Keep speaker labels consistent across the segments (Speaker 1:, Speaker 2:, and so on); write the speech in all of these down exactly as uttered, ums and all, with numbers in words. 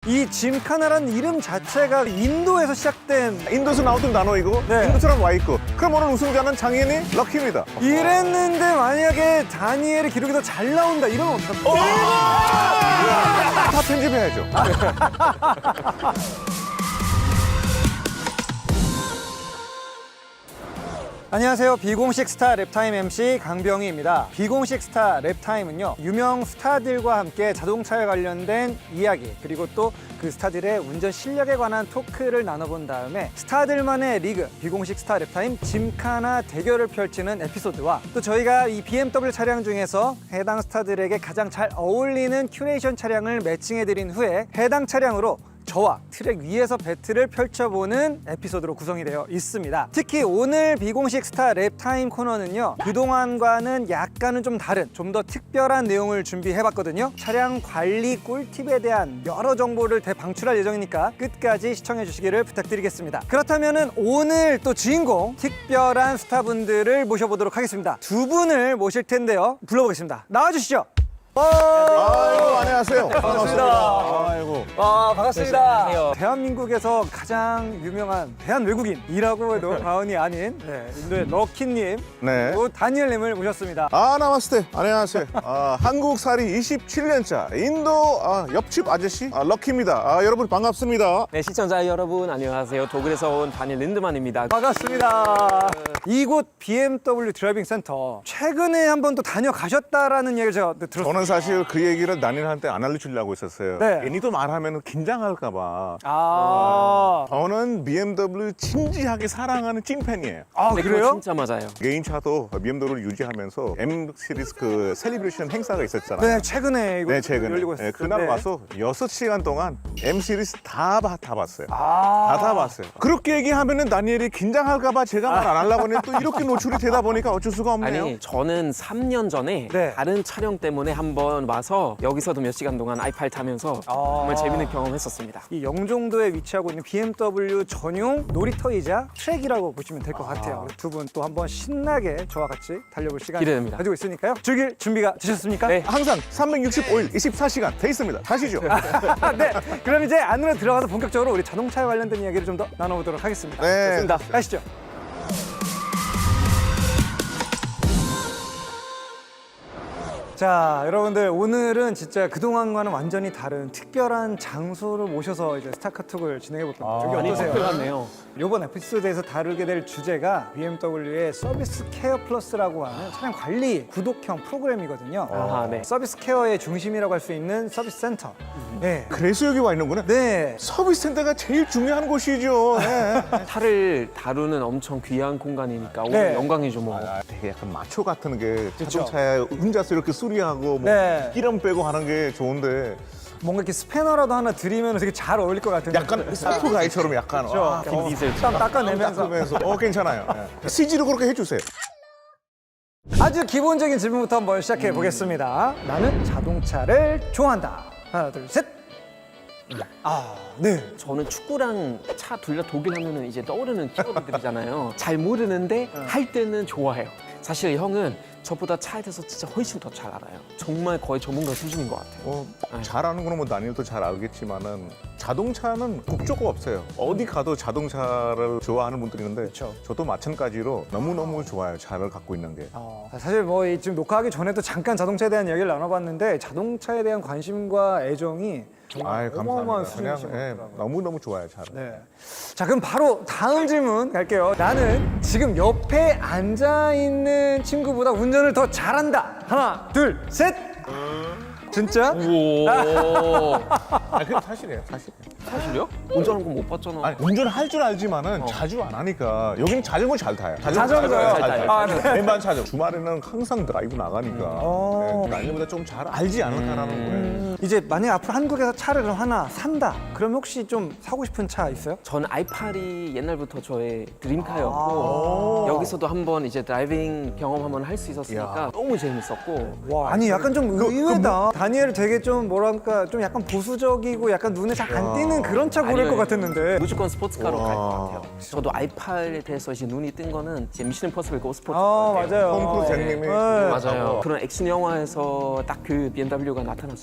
Speaker 1: 이 짐카나라는 이름 자체가 인도에서 시작된
Speaker 2: 인도에서 나오던 단어이고
Speaker 1: 네.
Speaker 2: 인도 사람 와 있고 그럼 오늘 우승자는 장인이 럭키입니다.
Speaker 1: 이랬는데 만약에 다니엘의 기록이 더 잘 나온다 이러면 어떡합니까?
Speaker 2: 다 편집해야죠.
Speaker 1: 안녕하세요. 비공식 스타 랩타임 엠씨 강병희입니다. 비공식 스타 랩타임은요, 유명 스타들과 함께 자동차에 관련된 이야기, 그리고 또 그 스타들의 운전 실력에 관한 토크를 나눠본 다음에 스타들만의 리그, 비공식 스타 랩타임 짐카나 대결을 펼치는 에피소드와 또 저희가 이 비엠더블유 차량 중에서 해당 스타들에게 가장 잘 어울리는 큐레이션 차량을 매칭해드린 후에 해당 차량으로 저와 트랙 위에서 배틀을 펼쳐보는 에피소드로 구성이 되어 있습니다. 특히 오늘 비공식 스타 랩타임 코너는요, 그동안과는 약간은 좀 다른, 좀 더 특별한 내용을 준비해봤거든요. 차량 관리 꿀팁에 대한 여러 정보를 대방출할 예정이니까 끝까지 시청해주시기를 부탁드리겠습니다. 그렇다면 오늘 또 주인공 특별한 스타분들을 모셔보도록 하겠습니다. 두 분을 모실 텐데요. 불러보겠습니다. 나와주시죠.
Speaker 2: 아이고 안녕하세요.
Speaker 1: 반갑습니다.
Speaker 2: 아이고.
Speaker 1: 아, 반갑습니다.
Speaker 3: 안녕하세요.
Speaker 1: 대한민국에서 가장 유명한 대한 외국인이라고 해도 과언이 아닌 네, 인도의 럭키님,
Speaker 2: 네.
Speaker 1: 그리고 다니엘님을 모셨습니다.
Speaker 2: 아 나마스테. 안녕하세요. 아, 한국살이 이십칠 년차 인도 아, 옆집 아저씨 아, 럭키입니다. 아, 여러분 반갑습니다.
Speaker 3: 네, 시청자 여러분 안녕하세요. 독일에서 온 다니엘 린드만입니다.
Speaker 1: 반갑습니다. 이곳 비엠더블유 드라이빙 센터 최근에 한 번 또 다녀가셨다라는 얘기를 제가 들었어요.
Speaker 2: 저는 사실 그 얘기를 다니엘한테 안 알려주려고 했었어요.
Speaker 1: 네.
Speaker 2: 괜히 또 말하면 긴장할까 봐.
Speaker 1: 아,
Speaker 2: 저는 비엠더블유 진지하게 사랑하는 찐팬이에요.
Speaker 1: 아
Speaker 3: 네, 그거
Speaker 1: 그래요?
Speaker 3: 진짜 맞아요.
Speaker 2: 개인차도 비엠더블유를 유지하면서 M 시리즈 그 셀리브레이션 행사가 있었잖아요.
Speaker 1: 네, 최근에 이거
Speaker 2: 네, 최근에.
Speaker 1: 열리고
Speaker 2: 네,
Speaker 1: 있었어요.
Speaker 2: 그날
Speaker 1: 네.
Speaker 2: 와서 여섯 시간 동안 M 시리즈 다, 봐- 다 봤어요.
Speaker 1: 아,
Speaker 2: 다 다 봤어요. 그렇게 얘기하면은 다니엘이 긴장할까봐 제가 말 안 하려고 했는데 또 이렇게 노출이 되다 보니까 어쩔 수가 없네요.
Speaker 3: 아니, 저는 삼 년 전에
Speaker 1: 네.
Speaker 3: 다른 촬영 때문에 한번 와서 여기서도 몇 시간 동안 아이팔 타면서
Speaker 1: 아.
Speaker 3: 정말 재밌는 경험했었습니다.
Speaker 1: 이 영종도에 위치하고 있는 비엠더블유 전용 놀이터이자 트랙이라고 보시면 될 것 같아요. 두 분 또 한번 신나게 저와 같이 달려볼 시간
Speaker 3: 기대됩니다.
Speaker 1: 가지고 있으니까요. 즐길 준비가 되셨습니까?
Speaker 3: 네.
Speaker 2: 항상 삼백육십오 일 이십사 시간 돼 있습니다. 가시죠.
Speaker 1: 네. 그럼 이제 안으로 들어가서 본격적으로 우리 자동차에 관련된 이야기를 좀 더 나눠보도록 하겠습니다.
Speaker 2: 네.
Speaker 3: 좋습니다.
Speaker 1: 가시죠. 자, 여러분들 오늘은 진짜 그동안과는 완전히 다른 특별한 장소를 모셔서 이제 스타카톡을 진행해 볼 겁니다. 저기
Speaker 3: 많이
Speaker 1: 어떠세요?
Speaker 3: 특별하네요.
Speaker 1: 이번 에피소드에서 다루게 될 주제가 비엠더블유의 서비스 케어 플러스라고 하는 차량 관리 구독형 프로그램이거든요.
Speaker 3: 아하, 네.
Speaker 1: 서비스 케어의 중심이라고 할 수 있는 서비스 센터. 네.
Speaker 2: 그래서 여기 와 있는구나.
Speaker 1: 네.
Speaker 2: 서비스 센터가 제일 중요한 곳이죠. 네.
Speaker 3: 차를 다루는 엄청 귀한 공간이니까 오늘
Speaker 1: 네.
Speaker 3: 영광이죠 뭐.
Speaker 2: 아, 되게 약간 마초 같은 게
Speaker 1: 그쵸.
Speaker 2: 자동차에 혼자서 이렇게 수리하고 뭐
Speaker 1: 네.
Speaker 2: 기름 빼고 하는 게 좋은데
Speaker 1: 뭔가 이렇게 스패너라도 하나 드리면 되게 잘 어울릴 것 같은데.
Speaker 2: 약간 스타프 가이처럼 약간
Speaker 1: 그렇죠.
Speaker 2: 와,
Speaker 3: 빈 디젤.
Speaker 1: 땀 닦아내면서.
Speaker 2: 닦으면서 어 괜찮아요. 네. 씨지로 그렇게 해주세요.
Speaker 1: 아주 기본적인 질문부터 한번 시작해 보겠습니다. 나는 자동차를 좋아한다. 하나, 둘, 셋. 아, 네.
Speaker 3: 저는 축구랑 차 둘 다 독일 하면은 이제 떠오르는 키워드들이잖아요. 잘 모르는데 할 때는 좋아해요. 사실 형은 저보다 차에 대해서 진짜 훨씬 더 잘 알아요. 정말 거의 전문가 수준인 것 같아요.
Speaker 2: 어, 잘하는 거는 뭐 다니엘도 잘 알겠지만은 자동차는 국조가 없어요. 어디 가도 자동차를 좋아하는 분들이 있는데
Speaker 1: 그쵸.
Speaker 2: 저도 마찬가지로 너무너무 좋아요. 차를 갖고 있는 게.
Speaker 1: 어, 사실 뭐 이 지금 녹화하기 전에도 잠깐 자동차에 대한 이야기를 나눠봤는데 자동차에 대한 관심과 애정이 정말
Speaker 2: 아이,
Speaker 1: 어마어마한
Speaker 2: 감사합니다.
Speaker 1: 수준이신 것
Speaker 2: 그냥 예,
Speaker 1: 같더라고요.
Speaker 2: 너무너무 좋아요, 차를.
Speaker 1: 네. 자, 그럼 바로 다음 질문 갈게요. 나는 지금 옆에 앉아 있는 친구보다 운전을 더 잘한다. 하나, 둘, 셋. 진짜?
Speaker 3: 오.
Speaker 2: 아, 그게 사실이에요, 사실.
Speaker 3: 사실요? 운전하는 거 못 봤잖아.
Speaker 2: 아니, 운전할 줄 알지만은
Speaker 3: 어.
Speaker 2: 자주 안 하니까 여기는 자전거 잘 타요.
Speaker 1: 자전거요?
Speaker 2: 잘
Speaker 3: 잘
Speaker 2: 타요.
Speaker 3: 타요.
Speaker 1: 아, 네.
Speaker 2: 왼반 자전거. 주말에는 항상 드라이브 나가니까
Speaker 1: 어.
Speaker 2: 네, 다니엘보다 좀 잘 알지 않을까라는 거예요.
Speaker 1: 이제 만약에 앞으로 한국에서 차를 그럼 하나 산다. 그럼 혹시 좀 사고 싶은 차 있어요?
Speaker 3: 저는 아이팔이 옛날부터 저의 드림카였고
Speaker 1: 아.
Speaker 3: 여기서도 한번 이제 드라이빙 경험 한번 할 수 있었으니까
Speaker 2: 야.
Speaker 3: 너무 재밌었고
Speaker 1: 와, 아니 약간 좀 의외다. 다니엘 되게 좀 뭐랄까 좀 약간 보수적이고 약간 눈에 잘 안 띄는 그런 차 고를
Speaker 3: 아니요,
Speaker 1: 것 같았는데.
Speaker 3: 무조건 스포츠카로 갈 것
Speaker 2: 와.
Speaker 3: 같아요. 저도 아이팔에 대해서 이제 눈이 뜬 거는 이제 미션 임퍼서블 고 스포츠.
Speaker 1: 아, 맞아요.
Speaker 2: 톰 크루즈 형님이
Speaker 1: 네.
Speaker 3: 맞아요. 그런 액션 영화에서 딱 그 비엠더블유가 나타났을 때 이런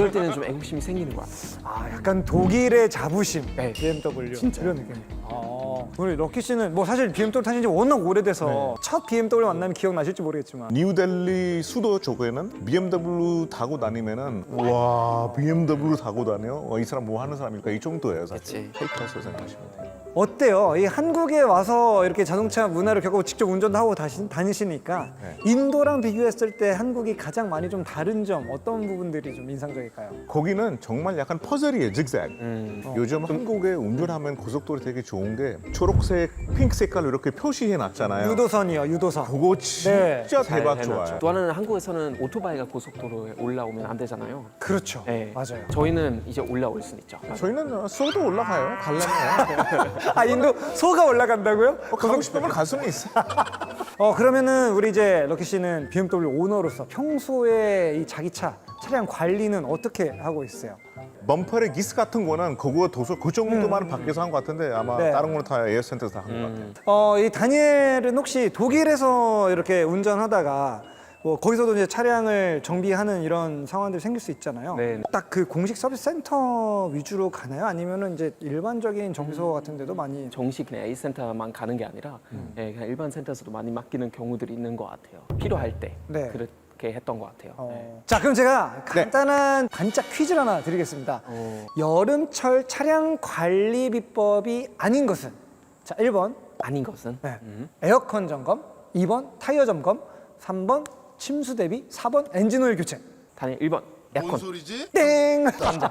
Speaker 3: 그럴 때는 좀 애국심이 생기는 것 같아요.
Speaker 1: 아, 약간 독일의 자부심.
Speaker 3: 네.
Speaker 1: 비엠더블유. 진짜 이런 느낌. 아, 우리 럭키 씨는 뭐 사실 비엠더블유 타신 지 워낙 오래돼서
Speaker 2: 네.
Speaker 1: 첫 비엠더블유 만나면 기억나실지 모르겠지만
Speaker 2: 뉴델리 수도 쪽에는 비엠더블유 타고 다니면은 와 비엠더블유 타고 다녀? 와, 이 사람 뭐 하는 사람일까? 이 정도예요 사실.
Speaker 3: 그치.
Speaker 2: 페이커스 생각하시면 돼요.
Speaker 1: 어때요? 이 한국에 와서 이렇게 자동차 문화를 겪고 직접 운전도 하고 다시, 다니시니까
Speaker 2: 네.
Speaker 1: 인도랑 비교했을 때 한국이 가장 많이 좀 다른 점 어떤 부분들이 좀 인상적일까요?
Speaker 2: 거기는 정말 약간 퍼즐이에요, 직색.
Speaker 3: 음.
Speaker 2: 요즘 한국에 운전하면 고속도로 되게 좋은 게 초록색, 핑크 색깔로 이렇게 표시해 놨잖아요.
Speaker 1: 유도선이요, 유도선.
Speaker 2: 그거 진짜
Speaker 1: 네.
Speaker 2: 대박
Speaker 3: 잘
Speaker 2: 좋아요.
Speaker 3: 해놨죠. 또 하나는 한국에서는 오토바이가 고속도로에 올라오면 안 되잖아요.
Speaker 1: 그렇죠.
Speaker 3: 네.
Speaker 1: 맞아요.
Speaker 3: 저희는 이제 올라올 수는 있죠.
Speaker 2: 저희는 소도 올라가요. 갈라면.
Speaker 1: 아, 인도 소가 올라간다고요?
Speaker 2: 어, 가고 싶으면 갈 수는 있어.
Speaker 1: 어, 그러면은 우리 이제 럭키 씨는 비엠더블유 오너로서 평소에 이 자기 차 차량 관리는 어떻게 하고 있어요?
Speaker 2: 범퍼의 기스 같은 거는 그거 도서 그 정도만 밖에서 한 것 같은데 아마
Speaker 1: 네.
Speaker 2: 다른 거는 다 에어센터에서 한 것 같아요.
Speaker 3: 음.
Speaker 1: 어, 이 다니엘은 혹시 독일에서 이렇게 운전하다가 뭐 거기서도 이제 차량을 정비하는 이런 상황들이 생길 수 있잖아요.
Speaker 3: 네.
Speaker 1: 딱 그 공식 서비스 센터 위주로 가나요? 아니면은 이제 일반적인 정비소 같은 데도 많이
Speaker 3: 정식 그냥 A 센터만 가는 게 아니라 예, 그냥 일반 센터에서도 많이 맡기는 경우들이 있는 것 같아요. 필요할 때
Speaker 1: 네.
Speaker 3: 그렇게 했던 것 같아요.
Speaker 1: 어.
Speaker 3: 네.
Speaker 1: 자, 그럼 제가 간단한 반짝 퀴즈를 하나 드리겠습니다.
Speaker 3: 어.
Speaker 1: 여름철 차량 관리 비법이 아닌 것은 자, 일 번
Speaker 3: 아닌 것은
Speaker 1: 네.
Speaker 3: 음.
Speaker 1: 에어컨 점검, 이 번 타이어 점검, 삼 번 침수 대비, 사 번 엔진 오일 교체.
Speaker 3: 단일 일 번
Speaker 4: 뭔
Speaker 3: 에어컨.
Speaker 4: 소리지?
Speaker 1: 땡!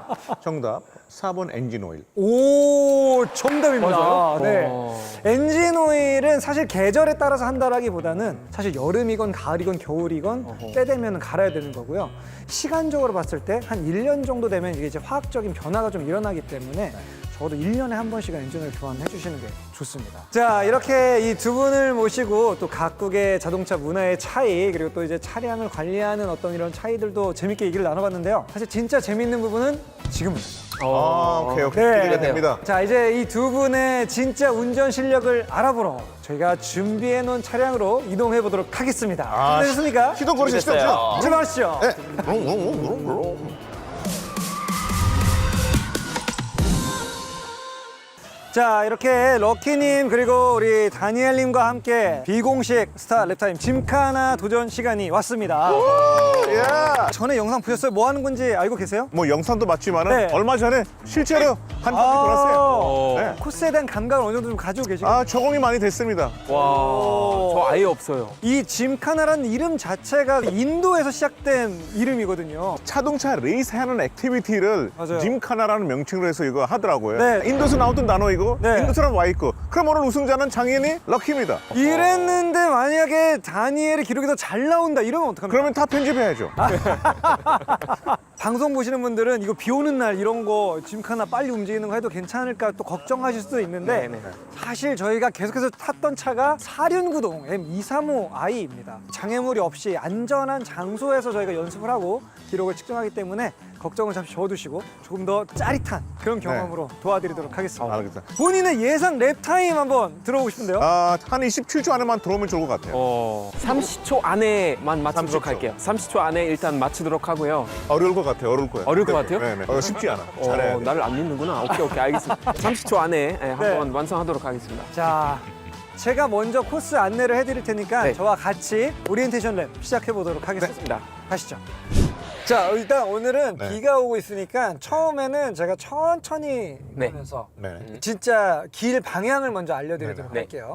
Speaker 2: 정답 사 번 엔진 오일.
Speaker 1: 오, 정답입니다.
Speaker 3: 맞아요?
Speaker 1: 네.
Speaker 3: 어.
Speaker 1: 엔진 오일은 사실 계절에 따라서 한다라기보다는 사실 여름이건 가을이건 겨울이건
Speaker 3: 어허.
Speaker 1: 때 되면 갈아야 되는 거고요. 시간적으로 봤을 때 한 일 년 정도 되면 이게 이제 화학적인 변화가 좀 일어나기 때문에 적어도 일 년에 한 번씩은 엔진 오일 교환해 주시는 게 좋습니다. 자, 이렇게 이 두 분을 모시고 또 각국의 자동차 문화의 차이 그리고 또 이제 차량을 관리하는 어떤 이런 차이들도 재밌게 얘기를 나눠봤는데요. 사실 진짜 재밌는 부분은 지금부터죠.
Speaker 2: 아, 오케이 오케이 기대가 됩니다.
Speaker 1: 자, 이제 이 두 분의 진짜 운전 실력을 알아보러 저희가 준비해 놓은 차량으로 이동해 보도록 하겠습니다.
Speaker 2: 아,
Speaker 1: 준비되셨습니까?
Speaker 2: 시동 걸으시죠?
Speaker 3: 준비됐어요.
Speaker 1: 출발하시죠.
Speaker 2: 네. 롱롱롱롱롱.
Speaker 1: 자, 이렇게 럭키님 그리고 우리 다니엘님과 함께 비공식 스타 랩타임 짐카나 도전 시간이 왔습니다.
Speaker 2: 예.
Speaker 1: 전에 영상 보셨어요? 뭐 하는 건지 알고 계세요?
Speaker 2: 뭐 영상도 봤지만은
Speaker 1: 네.
Speaker 2: 얼마 전에 실제로 한 바퀴 돌았어요.
Speaker 3: 어.
Speaker 2: 네.
Speaker 1: 코스에 대한 감각을 어느 정도 좀 가지고 계시고
Speaker 2: 아 적응이 많이 됐습니다.
Speaker 3: 와, 저 아예 없어요.
Speaker 1: 이 짐카나라는 이름 자체가 인도에서 시작된 이름이거든요.
Speaker 2: 자동차 레이스하는 액티비티를
Speaker 1: 맞아요.
Speaker 2: 짐카나라는 명칭으로 해서 이거 하더라고요.
Speaker 1: 네.
Speaker 2: 인도에서 나왔던 단어이고
Speaker 1: 네.
Speaker 2: 인도 사람 와 있고. 그럼 오늘 우승자는 장인이 럭키입니다.
Speaker 1: 이랬는데 만약에 다니엘의 기록이 더 잘 나온다 이러면 어떡합니까?
Speaker 2: 그러면 다 편집해야죠.
Speaker 1: 방송 보시는 분들은 이거 비 오는 날 이런 거 짐카나 빨리 움직이는 거 해도 괜찮을까 또 걱정하실 수도 있는데
Speaker 3: 네네.
Speaker 1: 사실 저희가 계속해서 탔던 차가 사륜구동 엠 이백삼십오 아이입니다. 장애물이 없이 안전한 장소에서 저희가 연습을 하고 기록을 측정하기 때문에 걱정을 잠시 접어두시고 조금 더 짜릿한 그런 경험으로 도와드리도록 하겠습니다.
Speaker 2: 알겠다.
Speaker 1: 본인의 예상 랩타임 한번 들어보고 싶은데요.
Speaker 2: 아, 한 이십칠 초 안에만 들어오면 좋을 것 같아요.
Speaker 3: 어, 삼십 초 안에만 맞추도록
Speaker 2: 삼십 초.
Speaker 3: 할게요. 삼십 초 안에 일단 맞추도록 하고요.
Speaker 2: 어려울 것 같아요. 어려울 거예요.
Speaker 3: 어려울 것
Speaker 2: 네,
Speaker 3: 같아요?
Speaker 2: 네, 네. 어, 쉽지 않아. 잘해야
Speaker 3: 어,
Speaker 2: 돼.
Speaker 3: 나를 안 믿는구나. 오케이, 오케이, 알겠습니다. 삼십 초 안에 예, 한번
Speaker 1: 네.
Speaker 3: 완성하도록 하겠습니다.
Speaker 1: 자, 제가 먼저 코스 안내를 해드릴 테니까
Speaker 3: 네.
Speaker 1: 저와 같이 오리엔테이션 랩 시작해 보도록 하겠습니다.
Speaker 3: 좋습니다.
Speaker 1: 가시죠. 자, 일단 오늘은
Speaker 2: 네.
Speaker 1: 비가 오고 있으니까 처음에는 제가 천천히
Speaker 3: 네.
Speaker 1: 하면서
Speaker 2: 네.
Speaker 1: 진짜 길 방향을 먼저 알려드리도록
Speaker 3: 네.
Speaker 1: 할게요.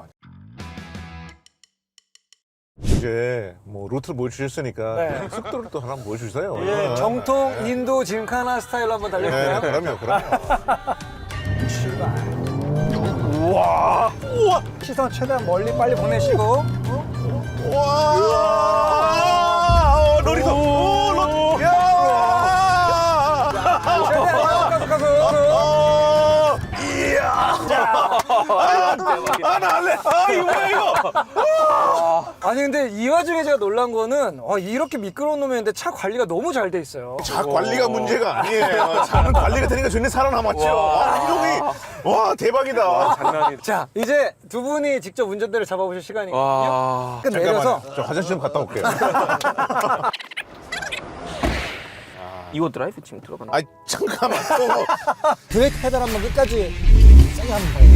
Speaker 2: 이제 뭐 루트를 보여주셨으니까
Speaker 1: 네.
Speaker 2: 속도를 또 하나 보여주세요.
Speaker 1: 예, 정통 인도 짐카나 스타일로 한번
Speaker 2: 네,
Speaker 1: 달려볼까요?
Speaker 2: 그럼요, 그럼요.
Speaker 1: 출발.
Speaker 2: 우와, 우와,
Speaker 1: 시선 최대한 멀리 빨리 보내시고
Speaker 2: 우와, 어, 놀이터, 오, 놀, 야,
Speaker 1: 최대한 가서 가서
Speaker 2: 어, 이야, 아, 나 할래, 아, 이거 뭐야 이거?
Speaker 1: 아니 근데 이 와중에 제가 놀란 거는 어, 이렇게 미끄러운 놈이었는데 차 관리가 너무 잘 돼 있어요.
Speaker 2: 차 관리가 문제가 아니에요. 차는 관리가 되니까 전에 살아남았죠. 와, 이동이, 와, 대박이다.
Speaker 3: 장난이.
Speaker 1: 자, 이제 두 분이 직접 운전대를 잡아보실 시간이거든요.
Speaker 3: 와.
Speaker 1: 끝 내려서
Speaker 2: 잠깐만요. 저 화장실 좀 갔다 올게요.
Speaker 3: 이거 드라이브 지금 들어가는
Speaker 2: 아 잠깐만. 또.
Speaker 1: 브레이크 페달 한번 끝까지 세게 한번 봐요.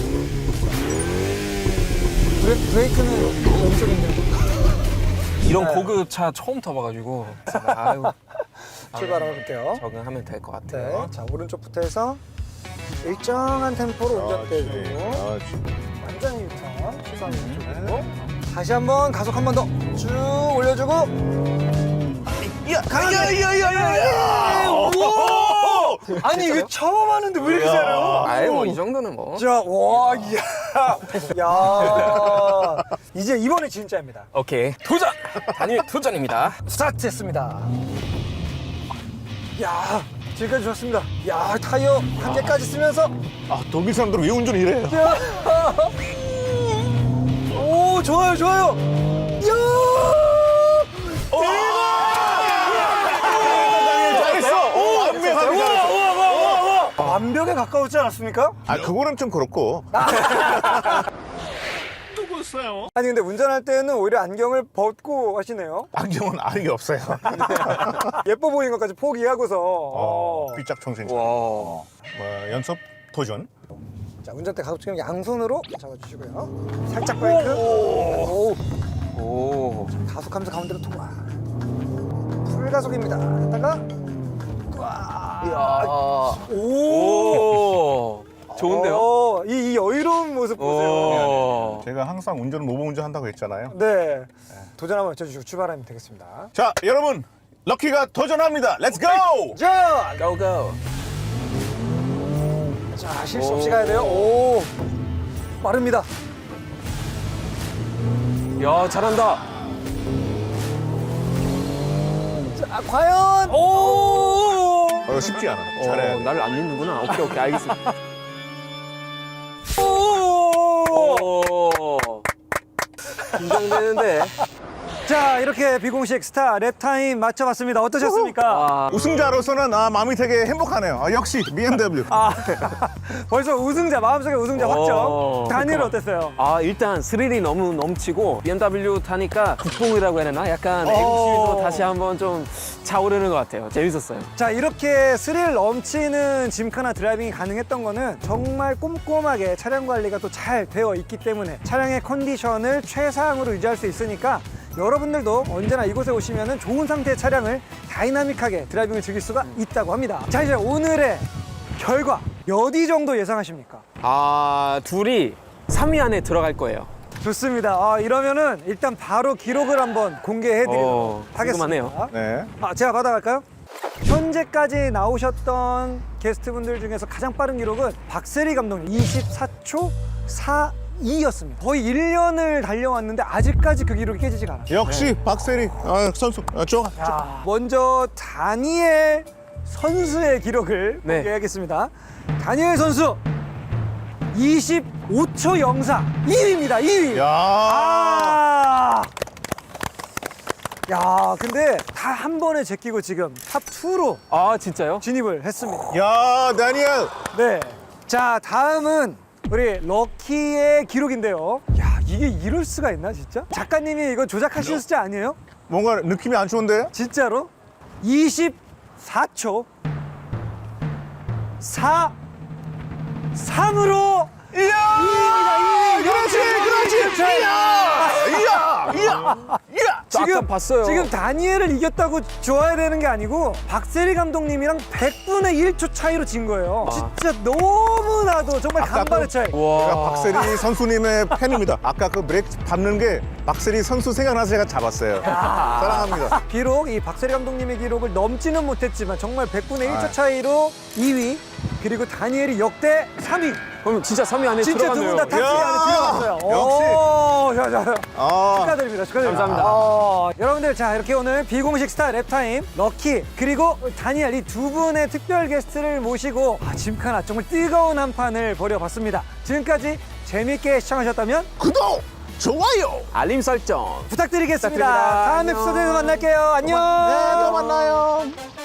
Speaker 1: 브레, 브레이크는 왼쪽인데.
Speaker 3: 이런
Speaker 1: 네.
Speaker 3: 고급 차 처음 타봐가지고 아유,
Speaker 1: 출발하고 볼게요.
Speaker 3: 적응하면 될 것
Speaker 1: 네,
Speaker 3: 같아요.
Speaker 1: 자 오른쪽부터 해서 일정한 템포로 운전대주고
Speaker 2: 그렇지.
Speaker 1: 완전히 유턴 시선 왼쪽으로 다시 한번 가속 한 번 더 쭉 올려주고
Speaker 2: 야야야야야.
Speaker 1: 아니 이거 처음 하는데 왜 이렇게 잘해요?
Speaker 3: 아이 뭐이 정도는 뭐.
Speaker 1: 자, 와, 이야, 야, 이제 이번에 진짜입니다.
Speaker 3: 오케이 도전. 단일 도전입니다.
Speaker 1: 스타트했습니다. 야, 지금까지 좋습니다. 야, 타이어 한 개까지 쓰면서
Speaker 2: 아 독일 사람들은 왜 운전을 이래요?
Speaker 1: 야, 오, 좋아요, 좋아요. 야,
Speaker 2: 잘했어. 오 완벽하게 잘했어.
Speaker 1: 완벽에 가까웠지 않았습니까?
Speaker 2: 아 그거는 좀 그렇고.
Speaker 1: 아니 근데 운전할 때는 오히려 안경을 벗고 하시네요.
Speaker 2: 안경은 알이 없어요.
Speaker 1: 예뻐 보이는 것까지 포기하고서.
Speaker 2: 어,
Speaker 1: 어.
Speaker 2: 삐짝 청생.
Speaker 3: 와.
Speaker 2: 뭐 연습 도전.
Speaker 1: 자, 운전대 가속 지금 양손으로 잡아주시고요. 살짝 브레이크. 오.
Speaker 3: 오.
Speaker 1: 가속하면서 가운데로 통과. 풀가속입니다. 했다가
Speaker 3: 이야.
Speaker 1: 오.
Speaker 3: 오. 좋은데요?
Speaker 1: 어, 이, 이 여유로운 모습 보세요.
Speaker 3: 오.
Speaker 2: 제가 항상 운전은 모범 운전 한다고 했잖아요.
Speaker 1: 네. 도전 한번 외쳐주시고 출발하면 되겠습니다.
Speaker 2: 자 여러분 럭키가 도전합니다. 렛츠 고!
Speaker 1: 자,
Speaker 3: Go go.
Speaker 1: 자 실수 없이 가야 돼요. 오. 빠릅니다.
Speaker 3: 야 잘한다.
Speaker 1: 자, 과연. 오.
Speaker 2: 어, 쉽지 않아. 잘해야
Speaker 3: 어,
Speaker 2: 돼.
Speaker 3: 나를 안 믿는구나. 오케이 오케이 알겠습니다.
Speaker 1: 오.
Speaker 3: 오. 긴장되는데.
Speaker 1: 자, 이렇게 비공식 스타 랩타임 맞춰봤습니다. 어떠셨습니까?
Speaker 3: 아,
Speaker 2: 우승자로서는 아, 마음이 되게 행복하네요. 아, 역시 비엠더블유.
Speaker 1: 아, 벌써 우승자, 마음속에 우승자 확정.
Speaker 3: 어,
Speaker 1: 다니엘
Speaker 3: 그렇구나.
Speaker 1: 어땠어요?
Speaker 3: 아 일단 스릴이 너무 넘치고 비엠더블유 타니까 국뽕이라고 해야 되나? 약간
Speaker 1: 어.
Speaker 3: 애국심도 다시 한번 좀 차오르는 것 같아요. 재밌었어요.
Speaker 1: 자, 이렇게 스릴 넘치는 짐카나 드라이빙이 가능했던 거는 정말 꼼꼼하게 차량 관리가 또 잘 되어 있기 때문에 차량의 컨디션을 최상으로 유지할 수 있으니까 여러분들도 언제나 이곳에 오시면 좋은 상태의 차량을 다이나믹하게 드라이빙을 즐길 수가 있다고 합니다. 자, 이제 오늘의 결과 몇 위 정도 예상하십니까?
Speaker 3: 아 둘이 삼 위 안에 들어갈 거예요.
Speaker 1: 좋습니다. 아, 이러면은 일단 바로 기록을 한번 공개해드리도록
Speaker 3: 어,
Speaker 1: 하겠습니다.
Speaker 3: 궁금하네요.
Speaker 2: 네.
Speaker 1: 아, 제가 받아갈까요? 현재까지 나오셨던 게스트분들 중에서 가장 빠른 기록은 박세리 감독님 이십사 초 사이였습니다. 거의 일 년을 달려왔는데 아직까지 그 기록이 깨지지가 않아요.
Speaker 2: 역시 박세리 아, 선수 아, 좋아.
Speaker 1: 자, 먼저 다니엘 선수의 기록을
Speaker 3: 네.
Speaker 1: 공개하겠습니다. 다니엘 선수 이십오 초 영사 이 위입니다. 이 위.
Speaker 2: 야.
Speaker 1: 아! 야, 근데 다 한 번에 제끼고 지금 탑 투로
Speaker 3: 아 진짜요?
Speaker 1: 진입을 했습니다.
Speaker 2: 야, 다니엘.
Speaker 1: 네. 자, 다음은 우리 럭키의 기록인데요. 야, 이게 이럴 수가 있나, 진짜? 작가님이 이거 조작하신 숫자 아니에요?
Speaker 2: 뭔가 느낌이 안 좋은데요?
Speaker 1: 진짜로? 이십사 초 사 삼으로
Speaker 2: 이야!
Speaker 1: 이야!
Speaker 2: 그렇지, 그렇지. 이야! 이야! 이야! 이야!
Speaker 1: 지금
Speaker 3: 아까 봤어요.
Speaker 1: 지금 다니엘을 이겼다고 좋아야 되는 게 아니고 박세리 감독님이랑 백분의 일 초 차이로 진 거예요.
Speaker 3: 아.
Speaker 1: 진짜 너무나도 정말
Speaker 2: 아까
Speaker 1: 간발의
Speaker 2: 그-
Speaker 1: 차이.
Speaker 2: 제가
Speaker 3: 와.
Speaker 2: 박세리 선수님의 팬입니다. 아까 그 브레이크 밟는 게 박세리 선수 생각나서 제가 잡았어요. 사랑합니다.
Speaker 1: 비록 이 박세리 감독님의 기록을 넘지는 못했지만 정말 백분의 일 초
Speaker 2: 아.
Speaker 1: 차이로 이 위 그리고 다니엘이 역대 삼 위.
Speaker 3: 그럼 진짜 삼 위 안에
Speaker 1: 진짜 두 분
Speaker 3: 들어갔네요.
Speaker 1: 다 탑 삼
Speaker 2: 야.
Speaker 1: 안에 들어갔어요.
Speaker 2: 역시.
Speaker 1: 오, 자, 자.
Speaker 2: 아,
Speaker 1: 축하드립니다. 축하드립니다.
Speaker 3: 감사합니다.
Speaker 1: 어, 여러분들 자 이렇게 오늘 비공식 스타 랩타임 럭키 그리고 다니엘 이 두 분의 특별 게스트를 모시고 아, 짐카나 정말 뜨거운 한 판을 벌여봤습니다. 지금까지 재밌게 시청하셨다면
Speaker 2: 구독, 좋아요.
Speaker 3: 알림 설정.
Speaker 1: 부탁드리겠습니다.
Speaker 3: 부탁드립니다.
Speaker 1: 다음
Speaker 3: 안녕.
Speaker 1: 에피소드에서 만날게요. 안녕.
Speaker 2: 네, 또 만나요.